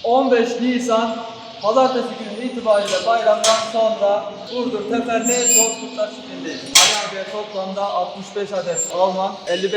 15 Nisan Pazartesi günü itibariyle bayramdan sonra Burdur Teferli Bozkurtlar çiftliğindeyiz. Ali abiye toplamda 65 adet Alman,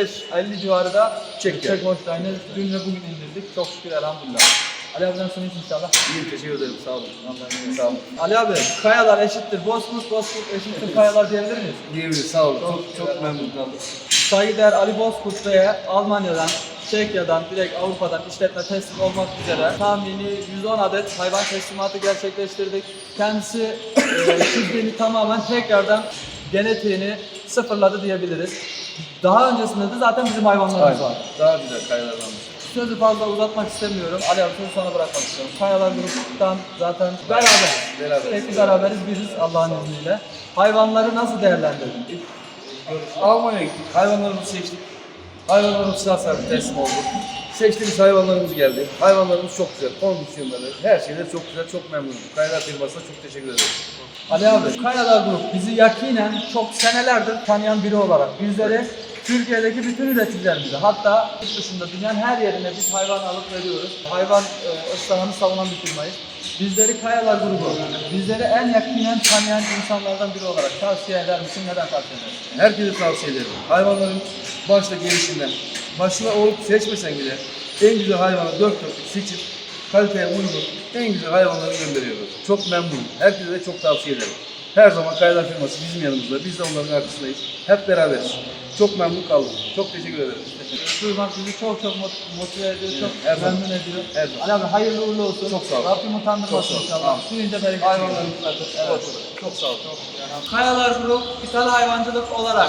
50 civarı da Çek Holstein'i dün ve bugün indirdik. Çok şükür elhamdülillah. Ali abiden sonra inşallah. İyiyim, teşekkür ederim. Sağ olun. Sağ olun. Ali abi, kayalar eşittir Bozkurt, Bozkurt eşittir kayalar diyebilir miyiz? Diyebiliriz. Sağ olun. Çok memnun kaldım. Saygıdeğer Ali Bozkurt Bey'e Almanya'dan, Çekya'dan, direkt Avrupa'dan işletme teslim olmak üzere tahmini 110 adet hayvan teslimatı gerçekleştirdik. Kendisi çiftliğini tamamen tekrardan genetiğini sıfırladı diyebiliriz. Daha öncesinde de zaten bizim hayvanlarımız var. Daha güzel kayalardan. Sözü fazla uzatmak istemiyorum. Ali abi sözü sana bırakmak istiyorum. Kayalar gruptan zaten beraber. Sürekli beraberiz biziz Allah'ın izniyle. Hayvanları nasıl değerlendirdin? Almanya'ya gittik. Hayvanlarımızı seçtik. Hayvanlarımız sıra sahibi teslim oldu. Seçtiğimiz hayvanlarımız geldi. Hayvanlarımız çok güzel. Kondisyonları, her şeyler çok güzel. Çok memnunum. Kayalar firmasına çok teşekkür ederim. Ali abi, Kayalar Grup bizi yakinen çok senelerdir tanıyan biri olarak bizleri Türkiye'deki bütün üreticilerimize, hatta yurt dışında dünyanın her yerine biz hayvan alıp veriyoruz. Hayvan ıslahını savunan bir firmayız. Bizleri Kayalar Grubu, bizleri en yakinen tanıyan insanlardan biri olarak tavsiye eder misin? Neden tavsiye edersin? Herkese tavsiye ederim. Hayvanların başta gelişinden, başına olup seçmesen bile en güzel hayvanı dört dörtlük seçip kaliteye uygun en güzel hayvanları gönderiyoruz. Çok memnunum. Herkese de çok tavsiye ederim. Her zaman Kayalar firması bizim yanımızda. Biz de onların arkasındayız. Hep beraberiz. Çok memnun kaldım. Çok teşekkür ederim. Duymak bizi çok motive ediyor, çok Her zaman. memnun ediyor. Her zaman. Ali abi hayırlı uğurlu olsun. Çok sağ ol. Rabbim utandırmasın Çok sağ ol. inşallah. Tamam. Suyunca bereket. Hayvanlarımız evet. Çok sağ ol. Kayalar Grup ithal hayvancılık olarak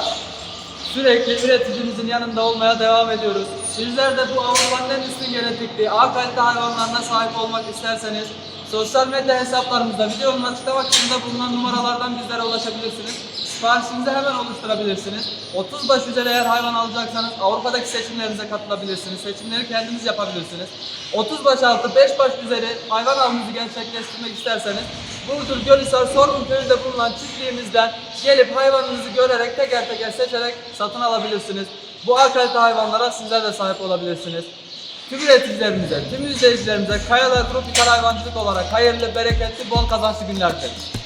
sürekli üreticimizin yanında olmaya devam ediyoruz. Sizler de bu Avrupa'nın en üstün genetikli A kalite hayvanlarına sahip olmak isterseniz sosyal medya hesaplarımızda videonun açıklama kısmında bulunan numaralardan bizlere ulaşabilirsiniz. Siparişinizi hemen oluşturabilirsiniz. 30 baş üzeri eğer hayvan alacaksanız Avrupa'daki seçimlerinize katılabilirsiniz. Seçimleri kendiniz yapabilirsiniz. 30 baş altı 5 baş üzeri hayvan avınızı gerçekleştirmek isterseniz Burdur Gölhisar Sorgun Köyü'nde bulunan çiftliğimizden gelip hayvanınızı görerek teker teker seçerek satın alabilirsiniz. Bu A kalite hayvanlara sizler de sahip olabilirsiniz. Tüm üreticilerimize, tüm izleyicilerimize Kayalar Grup İthal Hayvancılık olarak hayırlı, bereketli, bol kazançlı günler dileriz.